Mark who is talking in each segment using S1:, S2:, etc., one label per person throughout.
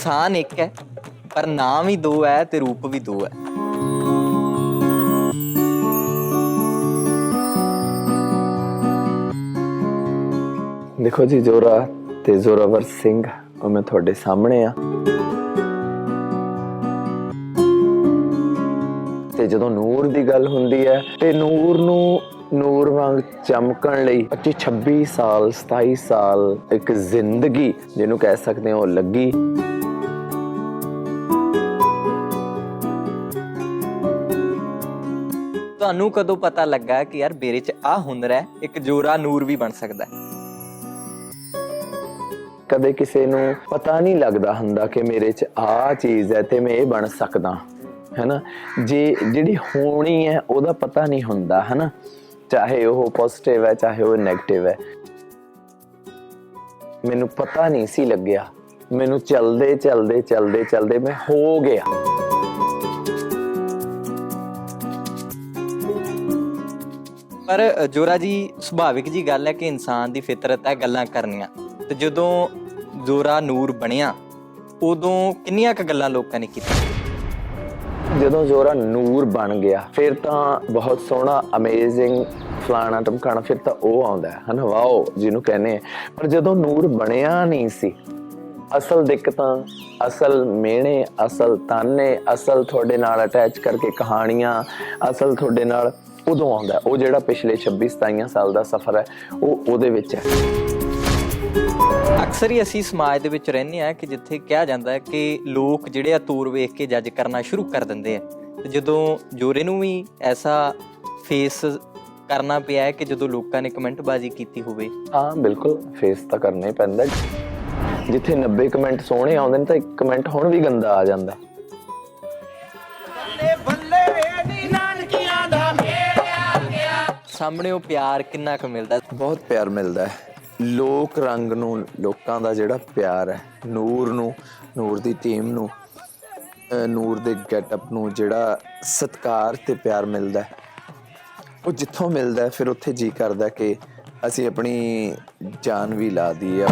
S1: इंसान एक है पर नाम ही दो है ते रूप भी दो है।
S2: देखो जी, जोरा ते जोरावर सिंह ਉਹ ਮੈਂ ਤੁਹਾਡੇ ਸਾਹਮਣੇ ਆ ਤੇ ਜਦੋਂ ਨੂਰ ਦੀ ਗੱਲ ਹੁੰਦੀ ਹੈ ਤੇ ਨੂਰ ਨੂੰ ਨੂਰ ਵਾਂਗ ਚਮਕਣ ਲਈ 25 ਸਾਲ 27 ਸਾਲ ਇੱਕ ਜ਼ਿੰਦਗੀ ਜਿਹਨੂੰ ਕਹਿ ਸਕਦੇ ਹੋ ਲੱਗੀ।
S1: ਤੁਹਾਨੂੰ ਕਦੋਂ ਪਤਾ ਲੱਗਾ ਕਿ ਯਾਰ ਮੇਰੇ 'ਚ ਆ ਹੁਨਰ ਹੈ, ਇੱਕ ਜੋਰਾ ਨੂਰ ਵੀ ਬਣ ਸਕਦਾ ਹੈ?
S2: ਕਦੇ ਕਿਸੇ ਨੂੰ ਪਤਾ ਨਹੀਂ ਲੱਗਦਾ ਹੁੰਦਾ ਕਿ ਮੇਰੇ 'ਚ ਆ ਚੀਜ਼ ਹੈ ਤੇ ਮੈਂ ਇਹ ਬਣ ਸਕਦਾ, ਹੈ ਨਾ। ਜਿਹੜੀ ਹੋਣੀ ਹੈ ਉਹਦਾ ਪਤਾ ਨਹੀਂ ਹੁੰਦਾ, ਹੈ ਨਾ, ਚਾਹੇ ਉਹ ਪੋਜ਼ਿਟਿਵ ਹੈ ਚਾਹੇ ਉਹ ਨੈਗੇਟਿਵ ਹੈ। ਮੈਨੂੰ ਪਤਾ ਨਹੀਂ ਸੀ ਲੱਗਿਆ, ਮੈਨੂੰ ਚਲਦੇ ਚਲਦੇ ਚਲਦੇ ਚਲਦੇ ਮੈਂ ਹੋ ਗਿਆ।
S1: ਪਰ ਜੋਰਾ ਜੀ, ਸੁਭਾਵਿਕ ਜੀ ਗੱਲ ਹੈ ਕਿ ਇਨਸਾਨ ਦੀ ਫਿਤਰਤ ਹੈ ਗੱਲਾਂ ਕਰਨੀਆਂ, ਤੇ ਜਦੋਂ ਜੋਰਾ ਨੂਰ ਬਣਿਆ ਉਦੋਂ ਕਿੰਨੀਆਂ ਕੁ ਗੱਲਾਂ ਲੋਕਾਂ ਨੇ ਕੀਤੀਆਂ?
S2: ਜਦੋਂ ਜੋਰਾ ਨੂਰ ਬਣ ਗਿਆ ਫਿਰ ਤਾਂ ਬਹੁਤ ਸੋਹਣਾ ਅਮੇਜ਼ਿੰਗ ਫਲਾਣਾ ਟਮਕਾਣਾ, ਫਿਰ ਤਾਂ ਉਹ ਆਉਂਦਾ ਹੈ ਨਾ, ਵਾਓ ਜਿਹਨੂੰ ਕਹਿੰਦੇ। ਪਰ ਜਦੋਂ ਨੂਰ ਬਣਿਆ ਨਹੀਂ ਸੀ, ਅਸਲ ਦਿੱਕਤਾਂ, ਅਸਲ ਮਿਹਣੇ, ਅਸਲ ਤਾਨੇ, ਅਸਲ ਤੁਹਾਡੇ ਨਾਲ ਅਟੈਚ ਕਰਕੇ ਕਹਾਣੀਆਂ, ਅਸਲ ਤੁਹਾਡੇ ਨਾਲ ਉਦੋਂ ਆਉਂਦਾ। ਉਹ ਜਿਹੜਾ ਪਿਛਲੇ 26-27 ਸਾਲ ਦਾ ਸਫ਼ਰ ਹੈ ਉਹ ਉਹਦੇ ਵਿੱਚ ਹੈ।
S1: ਅਕਸਰ ਹੀ ਅਸੀਂ ਸਮਾਜ ਦੇ ਵਿੱਚ ਰਹਿੰਦੇ ਹਾਂ ਕਿ ਜਿੱਥੇ ਕਿਹਾ ਜਾਂਦਾ ਹੈ ਕਿ ਲੋਕ ਜਿਹੜੇ ਆ ਤੂਰ ਵੇਖ ਕੇ ਜੱਜ ਕਰਨਾ ਸ਼ੁਰੂ ਕਰ ਦਿੰਦੇ ਆ, ਤੇ ਜਦੋਂ ਜੋਰੇ ਨੂੰ ਵੀ ਐਸਾ ਫੇਸ ਕਰਨਾ ਪਿਆ ਹੈ ਕਿ ਜਦੋਂ ਲੋਕਾਂ ਨੇ ਕਮੈਂਟਬਾਜ਼ੀ ਕੀਤੀ ਹੋਵੇ?
S2: ਹਾਂ ਬਿਲਕੁਲ, ਫੇਸ ਤਾਂ ਕਰਨਾ ਹੀ ਪੈਂਦਾ। ਜਿੱਥੇ 90 ਕਮੈਂਟ ਸੋਹਣੇ ਆਉਂਦੇ ਨੇ ਤਾਂ ਇੱਕ ਕਮੈਂਟ ਹੁਣ ਵੀ ਗੰਦਾ ਆ ਜਾਂਦਾ।
S1: ਸਾਹਮਣੇ ਉਹ ਪਿਆਰ ਕਿੰਨਾ ਕੁ ਮਿਲਦਾ?
S2: ਬਹੁਤ ਪਿਆਰ ਮਿਲਦਾ ਹੈ। ਲੋਕ ਰੰਗ ਨੂੰ, ਲੋਕਾਂ ਦਾ ਜਿਹੜਾ ਪਿਆਰ ਹੈ, ਨੂਰ ਨੂੰ, ਨੂਰ ਦੀ ਟੀਮ ਨੂੰ, ਨੂਰ ਦੇ ਗੈਟਅਪ ਨੂੰ ਜਿਹੜਾ ਸਤਿਕਾਰ ਤੇ ਪਿਆਰ ਮਿਲਦਾ ਹੈ, ਉਹ ਜਿੱਥੋਂ ਮਿਲਦਾ ਫਿਰ ਉੱਥੇ ਜੀ ਕਰਦਾ ਕਿ ਅਸੀਂ ਆਪਣੀ ਜਾਨ ਵੀ ਲਾ ਦਈਏ।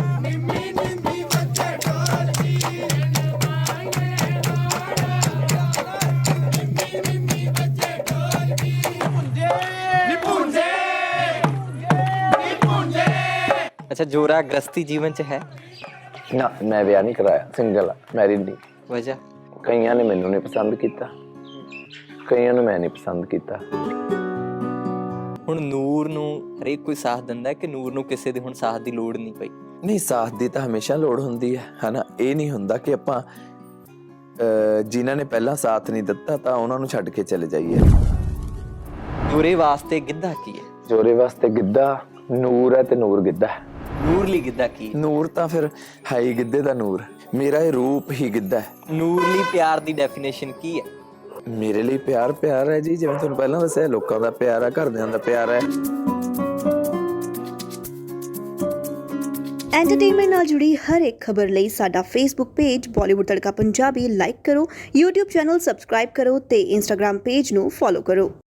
S1: ਅੱਛਾ, ਜੋਰਾ ਗ੍ਰਸਤੀ ਜੀਵਨ 'ਚ ਹੈ?
S2: ਨਾ, ਮੈਂ ਵਿਆਹ ਨਹੀਂ ਕਰਾਇਆ, ਸਿੰਗਲ ਆ, ਮੈਰਿਡ ਨਹੀਂ।
S1: ਵਜ੍ਹਾ?
S2: ਕਈਆਂ ਨੇ ਮੈਨੂੰ ਨਹੀਂ ਪਸੰਦ ਕੀਤਾ, ਕਈਆਂ ਨੂੰ ਮੈਂ ਨਹੀਂ ਪਸੰਦ ਕੀਤਾ।
S1: ਹੁਣ ਨੂਰ ਨੂੰ ਹਰੇਕ ਕੋਈ ਸਾਥ ਦਿੰਦਾ ਕਿ ਨੂਰ ਨੂੰ ਕਿਸੇ ਦੀ ਹੁਣ ਸਾਥ ਦੀ ਲੋੜ ਨਹੀਂ ਪਈ?
S2: ਨਹੀਂ, ਸਾਥ ਦੀ ਤਾਂ ਹਮੇਸ਼ਾ ਲੋੜ ਹੁੰਦੀ ਹੈ, ਹਨਾ। ਇਹ ਨਹੀਂ ਹੁੰਦਾ ਕਿ ਆਪਾਂ ਜਿਨ੍ਹਾਂ ਨੇ ਪਹਿਲਾਂ ਸਾਥ ਨਹੀਂ ਦਿੱਤਾ ਤਾਂ ਉਹਨਾਂ ਨੂੰ ਛੱਡ ਕੇ ਚਲੇ ਜਾਈਏ।
S1: ਜੋਰੇ ਵਾਸਤੇ ਗਿੱਧਾ ਕੀ ਹੈ?
S2: ਜੋਰੇ ਵਾਸਤੇ ਗਿੱਧਾ ਨੂਰ ਹੈ ਤੇ ਨੂਰ ਗਿੱਧਾ ਹੈ।
S1: ਨੂਰ ਲਈ ਗਿੱਧਾ ਕੀ ਹੈ?
S2: ਨੂਰ ਤਾਂ ਫਿਰ ਹੈ ਹੀ ਗਿੱਧੇ ਦਾ ਨੂਰ, ਮੇਰਾ ਇਹ ਰੂਪ ਹੀ ਗਿੱਧਾ ਹੈ।
S1: ਨੂਰ ਲਈ ਪਿਆਰ ਦੀ ਡੈਫੀਨੇਸ਼ਨ ਕੀ ਹੈ?
S2: ਮੇਰੇ ਲਈ ਪਿਆਰ ਪਿਆਰ ਹੈ ਜੀ, ਜਿਵੇਂ ਤੁਹਾਨੂੰ ਪਹਿਲਾਂ ਦੱਸਿਆ, ਲੋਕਾਂ ਦਾ ਪਿਆਰ ਹੈ, ਘਰਦਿਆਂ ਦਾ ਪਿਆਰ ਹੈ।
S3: ਐਂਟਰਟੇਨਮੈਂਟ ਨਾਲ ਜੁੜੀ ਹਰ ਇੱਕ ਖਬਰ ਲਈ ਸਾਡਾ Facebook page Bollywood Tadka Punjabi like ਕਰੋ, YouTube ਚੈਨਲ ਸਬਸਕ੍ਰਾਈਬ ਕਰੋ ਤੇ Instagram ਪੇਜ ਨੂੰ ਫੋਲੋ ਕਰੋ।